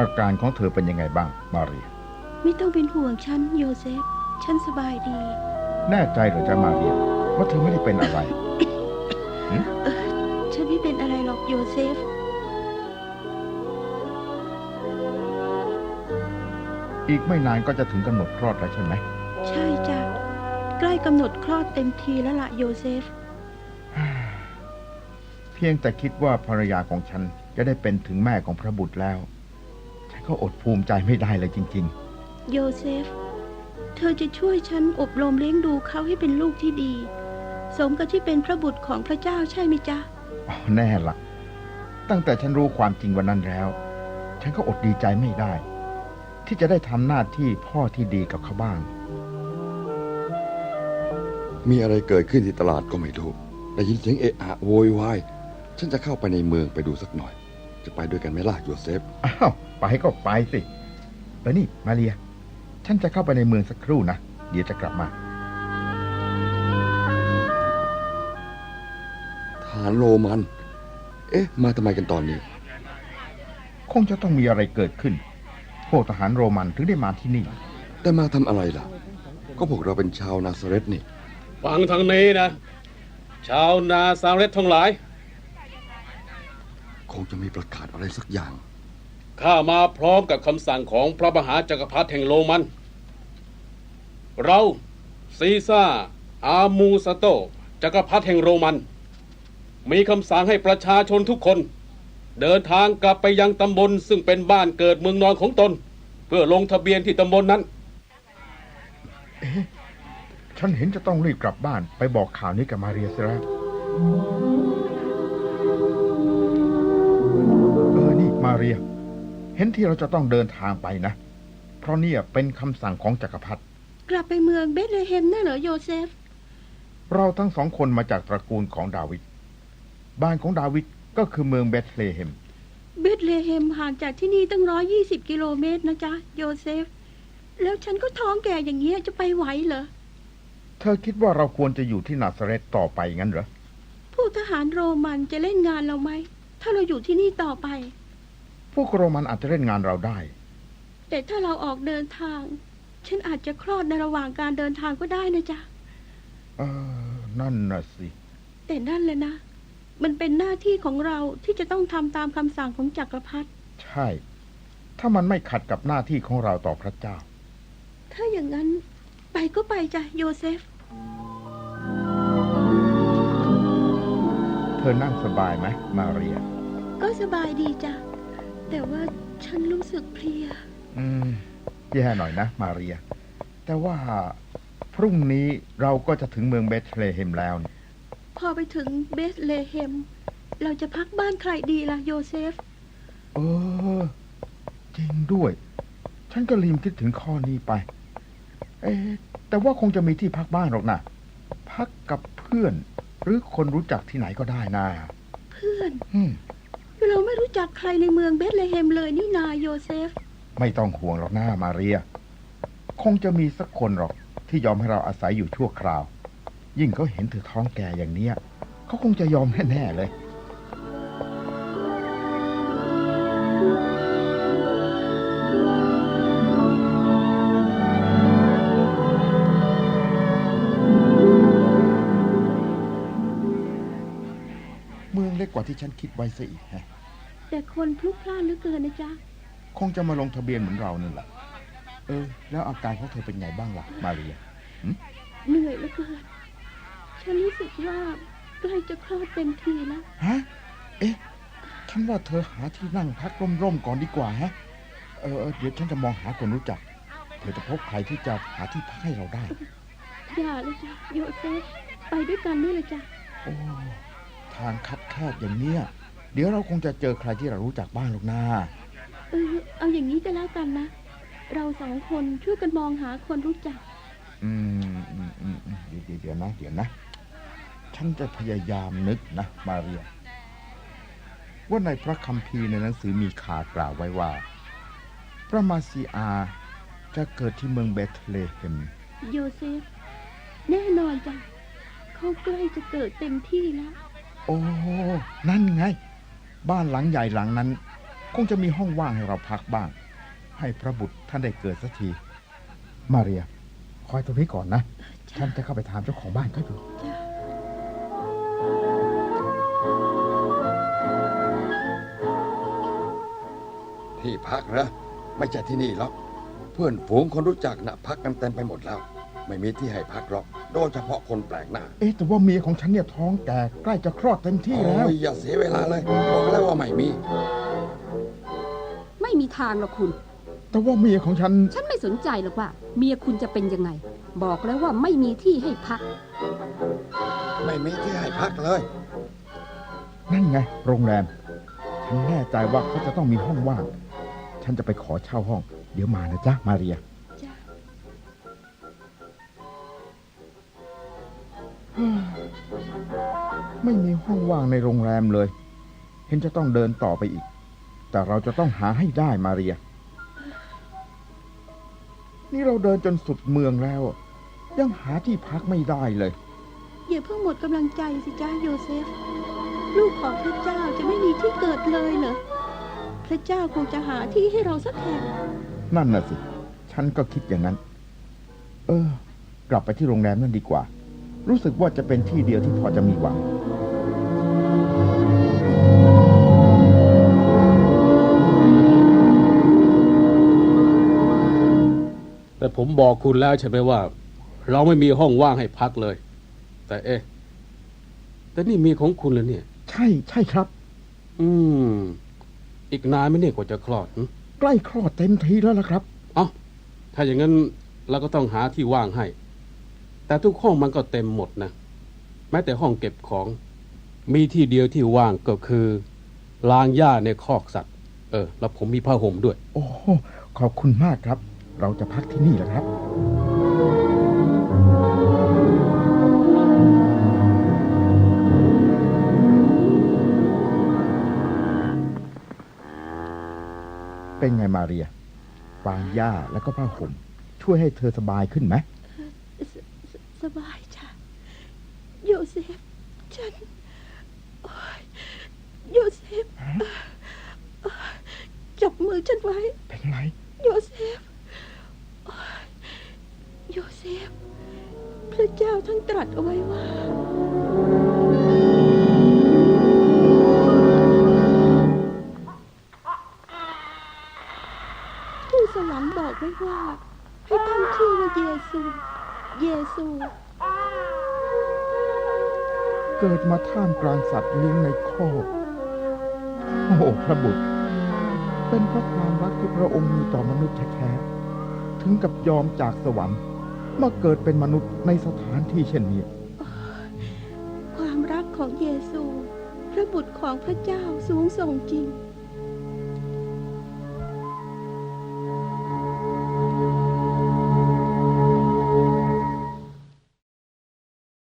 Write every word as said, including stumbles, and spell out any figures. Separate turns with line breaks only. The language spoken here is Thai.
อาการของเธอเป็นยังไงบ้างมาเรีย
ไม่ต้องเป็นห่วงฉันโยเซฟฉันสบายดี
แน่ใจเหรอจ๊ะมาเรียว่าเธอไม่ได้เป็นอะไร
เออฉันไม่เป็นอะไรหรอกโยเซฟ
อีกไม่นานก็จะถึงกำหนดคลอดแล้วใช่ไหม
ใช่จ้ะใกล้กำหนดคลอดเต็มทีแล้วล่ะโยเซฟ
เพียงแต่คิดว่าภรรยาของฉันจะได้เป็นถึงแม่ของพระบุตรแล้วฉันก็อดภูมิใจไม่ได้เลยจริง
ๆโยเซฟเธอจะช่วยฉันอบรมเลี้ยงดูเขาให้เป็นลูกที่ดีสมกับที่เป็นพระบุตรของพระเจ้าใช่ไหมจ๊ะ
อ๋อแน่ละตั้งแต่ฉันรู้ความจริงวันนั้นแล้วฉันก็อดดีใจไม่ได้ที่จะได้ทำหน้าที่พ่อที่ดีกับเขาบ้าง
มีอะไรเกิดขึ้นที่ตลาดก็ไม่รู้ได้ยินเสียงเอะอะโวยวายฉันจะเข้าไปในเมืองไปดูสักหน่อยจะไปด้วยกันไหมล่ะโยเซฟ
อ้าวไปก็ไปสิเออนี่มาเรียฉันจะเข้าไปในเมืองสักครู่นะเดี๋ยวจะกลับมา
ทหารโรมันเอ๊ะมาทำไมกันตอนนี้
คงจะต้องมีอะไรเกิดขึ้นพวกทหารโรมันถึงได้มาที่นี่
แต่มาทำอะไรล่ะก็พวกเราเป็นชาวนาซาเรตนี่
ฟังทางนี้นะชาวนาซาเรตทั้งหลาย
คงจะมีประกาศอะไรสักอย่าง
ข้ามาพร้อมกับคำสั่งของพระมหาจักรพรรดิแห่งโรมันเราซีซ่าอามูสโตจักรพรรดิแห่งโรมันมีคำสั่งให้ประชาชนทุกคนเดินทางกลับไปยังตำบลซึ่งเป็นบ้านเกิดเมืองนอนของตนเพื่อลงทะเบียนที่ตำบลนั้น
เอ๊ะฉันเห็นจะต้องรีบกลับบ้านไปบอกข่าวนี้กับมาเรียเสียแล้วเออนี่มาเรียเห็นที่เราจะต้องเดินทางไปนะเพราะนี่เป็นคำสั่งของจักรพรรดิ
กลับไปเมืองเบธเลเฮมน่ะเหรอโยเซฟ
เราทั้งสองคนมาจากตระกูลของดาวิดบ้านของดาวิดก็คือเมืองเบธเลเฮม
เบธเลเฮมห่างจากที่นี่ตั้งร้อยยี่สิบกิโลเมตรนะจ๊ะโยเซฟแล้วฉันก็ท้องแก่อย่างเงี้ยจะไปไหวเหรอ
เธอคิดว่าเราควรจะอยู่ที่นาซาเรตต่อไปงั้นเหรอ
พวกทหารโรมันจะเล่นงานเราไหมถ้าเราอยู่ที่นี่ต่อไป
พวกโรมันอาจจะเล่นงานเราได้
แต่ถ้าเราออกเดินทางฉันอาจจะคลอดในระหว่างการเดินทางก็ได้นะจ๊ะ
เออนั่นน่ะสิ
แต่นั่นแหละนะมันเป็นหน้าที่ของเราที่จะต้องทำตามคำสั่งของจักรพรรดิ
ใช่ถ้ามันไม่ขัดกับหน้าที่ของเราต่อพระเจ้า
ถ้าอย่างนั้นไปก็ไปจ้ะโยเซฟ
เธอนั่งสบายไหมมาเรีย
ก็สบายดีจ้ะแต่ว่าฉันรู้สึกเพลีย
อืมแย่หน่อยนะมาเรียแต่ว่าพรุ่งนี้เราก็จะถึงเมืองเบธเลเฮมแล้ว
พอไปถึงเบธเลเฮมเราจะพักบ้านใครดีล่ะโยเซฟ
เออจริงด้วยฉันก็ลืมคิดถึงข้อนี้ไปเอ๊ะแต่ว่าคงจะมีที่พักบ้านหรอกนะพักกับเพื่อนหรือคนรู้จักที่ไหนก็ได้นะ
เพื่อนเราไม่รู้จักใครในเมืองเบธเลเฮมเลยนี่นาโยเซฟ
ไม่ต้องห่วงหรอกนะมาเรียคงจะมีสักคนหรอกที่ยอมให้เราอาศัยอยู่ชั่วคราวยิ่งเขาเห็นเธอท้องแก่อย่างเนี้ยเขาคงจะยอมแน่ๆเลยเมืองเล็กกว่าที่ฉันคิดไว้ซะอีกฮะ
แต่คนพลุกพล่านเหลือเกินนะจ๊ะ
คงจะมาลงทะเบียนเหมือนเรานั่นแหละเออแล้วอาการของเธอเป็นไงบ้างล่ะมาเรีย
เหนื่อยเหลือเกินฉันรู้สึกว่าใกล้จะคลอดเต็มทีแล้ว
ฮะเอ๊ะฉันว่าเธอหาที่นั่งพักร่มๆก่อนดีกว่าฮะเออเดี๋ยวฉันจะมองหาคนรู้จักเธอจะพบใครที่จะหาที่พักให้เราได้
อย่าเลยจ้ะโยเซฟไปด้วยกันนี่เลยจ้ะ
โอ้ทางคับแคบอย่างเนี้ยเดี๋ยวเราคงจะเจอใครที่เรารู้จักบ้างหรอกนะ
เออเอาอย่างนี้ก็แล้วกันนะเราสองคนช่วยกันมองหาคนรู้จัก
อืมอืมอืมเดี๋ยวเดี๋ยวนะเดี๋ยวนะฉันจะพยายามนึกนะมาเรียว่าในพระคัมภีร์ในหนังสือมีข่าวกล่าวไว้ว่าพระมาซีอาจะเกิดที่เมืองเบธเลเฮม
โยเซฟแน่นอนจ้ะเขาใกล้จะเกิดเต็มที่แล้ว
โอ้นั่นไงบ้านหลังใหญ่หลังนั้นคงจะมีห้องว่างให้เราพักบ้าง ให้พระบุตรท่านได้เกิดสักที มาเรียคอยตรงนี้ก่อนนะฉันจะเข้าไปถามเจ้าของบ้านเขาอยู่
ที่พักนะไม่ใช่ที่นี่หรอกเพื่อนฝูงคนรู้จักนะพักกันเต็มไปหมดแล้ว ไม่มีที่ให้พักหรอกโดยเฉพาะคนแปลกหน้า
เอ๊ะแต่ว่าเมียของฉันเนี่ยท้องแก่ใกล้จะคลอดเต็มที่แล้ว
โอ้ยอย่าเสียเวลาเลยบอกแล้วว่าไม่มี
ไม่มีทางหรอกคุณ
แต่ว่าเมียของฉัน
ฉันไม่สนใจหรอกว่า เมียคุณจะเป็นยังไง บอกแล้วว่าไม่มีที่ให้พัก
ไม่มีที่ให้พักเลย
นั่นไงโรงแรมฉันแน่ใจว่าเขาจะต้องมีห้องว่าง ฉันจะไปขอเช่าห้อง เดี๋ยวมานะจ๊ะมาเรีย
จ้ะ
ไม่มีห้องว่างในโรงแรมเลย เห็นจะต้องเดินต่อไปอีก แต่เราจะต้องหาให้ได้มาเรีย นี่เราเดินจนสุดเมืองแล้ว ยังหาที่พักไม่ได้เลย
อย่าเพิ่งหมดกำลังใจสิจ้าโยเซฟ ลูกของพระเจ้าจะไม่มีที่เกิดเลยเหรอพระเจ้าคงจะหาที่ให้เราสักแห่ง
นั่นน่ะสิ ฉันก็คิดอย่างนั้น เออ กลับไปที่โรงแรมนั่นดีกว่า รู้สึกว่าจะเป็นที่เดียวที่พอจะมีหวัง
แต่ผมบอกคุณแล้วใช่ไหมว่า เราไม่มีห้องว่างให้พักเลย แต่เอ๊ะแต่นี่มีของคุณแล้วเนี่ย
ใช่ใช่ครับ
อืม อีกนานไหมเนี่ยกว่าจะคลอดหึ
ใกล้คลอดเต็มทีแล้วล่ะครับ
เอ้าถ้าอย่างนั้นเราก็ต้องหาที่ว่างให้ แต่ทุกห้องมันก็เต็มหมดนะแม้แต่ห้องเก็บของ มีที่เดียวที่ว่างก็คือลางหญ้าในคอกสัตว์ เออ แล้วผมมีผ้าห่มด้วย
โอ้ขอบคุณมากครับ เราจะพักที่นี่แหละครับ เป็นไงมาเรียฟางหญ้าแล้วก็ผ้าห่มช่วยให้เธอสบายขึ้นไหม
สสสบายจ้ะโยเซฟ ฉันโอ๊ยโยเซฟโอ๊ยจับมือฉันไว้
เป็นไร
โยเซฟโอ๊ยโยเซฟ พระเจ้าท่านตรัสเอาไว้ว่าทูตสวรรค์บอกไว้ว่า ให้ตั้งชื่อว่าเยซู เยซู
เกิดมาท่ามกลางสัตว์เลี้ยงในคอกโอ้โหพระบุตร เป็นเพราะความรักที่พระองค์มีต่อมนุษย์แท้ๆถึงกับยอมจากสวรรค์มาเกิดเป็นมนุษย์ในสถานที่เช่นนี้
ความรักของเยซู พระบุตรของพระเจ้าสูงส่งจริง